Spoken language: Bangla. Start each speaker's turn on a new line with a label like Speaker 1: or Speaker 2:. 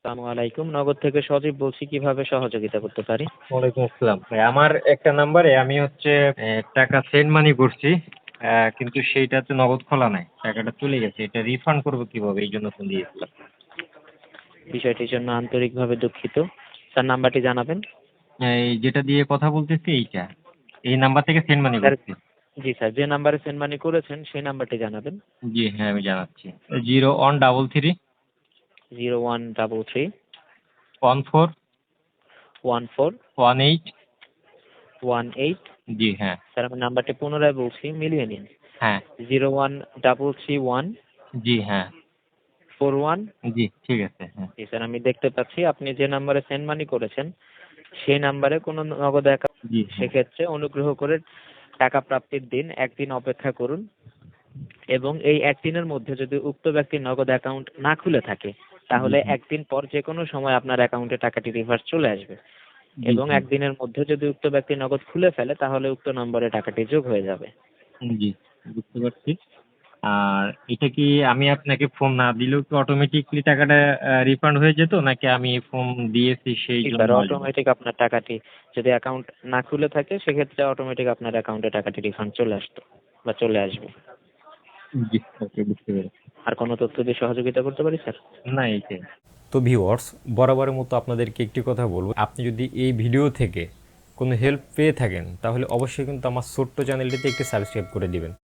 Speaker 1: আসসালামু আলাইকুম। নগদ থেকে সজীব বলছি, কিভাবে সহযোগিতা করতে পারি?
Speaker 2: ওয়ালাইকুম আসসালাম ভাই। আমার একটা নাম্বারে আমি টাকা সেন্ড মানি করছি, কিন্তু সেইটাতে নগদ খোলা নাই, টাকাটা চলে গেছে। এটা রিফান্ড করবো কিভাবে, এই জন্য ফোন দিয়েছিলাম।
Speaker 1: বিষয়টির জন্য আন্তরিকভাবে দুঃখিত। স্যার, নাম্বারটি জানাবেন।
Speaker 2: এই যেটা দিয়ে কথা বলতেছি এইটা, এই নাম্বার থেকে সেন্ড মানি
Speaker 1: স্যার,
Speaker 2: করছি।
Speaker 1: জি স্যার, যে নাম্বারে সেন্ড মানি করেছেন সেই নাম্বারটি জানাবেন।
Speaker 2: জি হ্যাঁ, আমি জানাচ্ছি। 0133
Speaker 1: 0133
Speaker 2: 14
Speaker 1: 14
Speaker 2: 18।
Speaker 1: 18।
Speaker 2: জি হ্যাঁ।
Speaker 1: স্যার, আমি নাম্বারটি পুনরায় বলছি, মিলিয়ে নিন।
Speaker 2: হ্যাঁ।
Speaker 1: 0133
Speaker 2: জি হ্যাঁ।
Speaker 1: 14 41।
Speaker 2: জি ঠিক আছে। হ্যাঁ।
Speaker 1: জি স্যার, আমি দেখতে পাচ্ছি আপনি যে নাম্বারে সেন্ড মানি করেছেন সেই নাম্বারে কোনো নগদ অ্যাকাউন্ট।
Speaker 2: জি হ্যাঁ।
Speaker 1: সেক্ষেত্রে অনুগ্রহ করে টাকা প্রাপ্তির দিন একদিন অপেক্ষা করুন, এবং এই একদিনের মধ্যে যদি উক্ত ব্যক্তির নগদ অ্যাকাউন্ট না খুলে থাকে
Speaker 2: জি
Speaker 1: তাহলে
Speaker 2: হ্যাঁ।
Speaker 1: একদিন পর যে কোনো সময় আপনার অ্যাকাউন্টে টাকাটি রিভার্স চলে আসবে,
Speaker 2: জি
Speaker 1: এবং
Speaker 2: হ্যাঁ।
Speaker 1: একদিনের মধ্যে যদি উক্ত ব্যক্তি নগদ খুলে ফেলে তাহলে উক্ত নম্বরে টাকাটি যোগ হয়ে যাবে।
Speaker 2: জি বুঝতে পারছি। আর এটা কি আমি আপনাকে ফোন না দিলেও কি অটোমেটিকলি টাকাটা রিফান্ড হয়ে যেত, নাকি আমি ফোন দিয়েছি সেই
Speaker 1: জি
Speaker 2: জন্য
Speaker 1: স্যার,
Speaker 2: আসবে?
Speaker 1: অটোমেটিক আপনার টাকাটি, যদি অ্যাকাউন্ট না খুলে থাকে সেক্ষেত্রে অটোমেটিক আপনার অ্যাকাউন্টে টাকাটি রিফান্ড চলে আসতো বা চলে আসবে।
Speaker 2: জি ওকে, বুঝতে পেরেছি।
Speaker 1: আর কোনো তথ্য দিয়ে সহযোগিতা করতে পারি স্যার?
Speaker 2: না এইটাই।
Speaker 3: তো ভিউয়ার্স, বরাবরের মতো আপনাদেরকে একটি কথা বলবো, আপনি যদি এই ভিডিও থেকে কোনো হেল্প পেয়ে থাকেন তাহলে অবশ্যই কিন্তু আমার ছোট্ট চ্যানেলটিতে একটি সাবস্ক্রাইব করে দিবেন।